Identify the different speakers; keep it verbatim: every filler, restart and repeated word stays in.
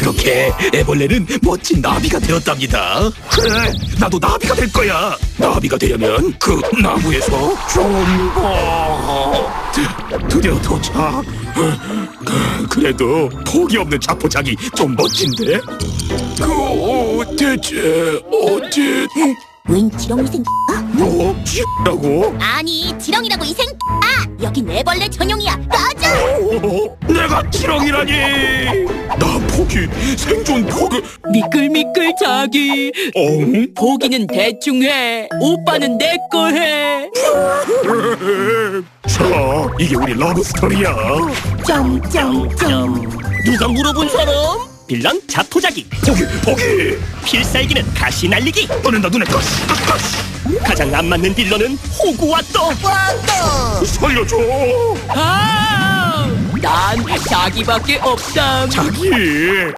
Speaker 1: 이렇게 애벌레는 멋진 나비가 되었답니다. 그래, 나도 나비가 될 거야. 나비가 되려면 그 나무에서 좀더 드디어 도착. 그, 그래도 포기 없는 자포자기 좀 멋진데? 그 대체 어디?
Speaker 2: 웬 지렁이 생
Speaker 1: 뭐? X라고?
Speaker 2: 아니 지렁이라고 이 생 아! 여긴 애벌레 전용이야. 꺼져!
Speaker 1: 어, 내가 지렁이라니. 나 포기 생존 포기.
Speaker 3: 미끌미끌 자기
Speaker 1: 어?
Speaker 3: 보기는 대충 해 오빠는 내 거 해.
Speaker 1: 자, 이게 우리 러브 스토리야.
Speaker 2: 점점점.
Speaker 3: 누가 물어본 사람? 빌런 자포자기,
Speaker 1: 포기 포기.
Speaker 3: 필살기는 가시 날리기.
Speaker 1: 너는 나 눈에 가시 가시.
Speaker 3: 가장 안 맞는 빌런은 호구와또.
Speaker 1: 살려줘.
Speaker 3: 아! 난 자기밖에 없담.
Speaker 1: 자기.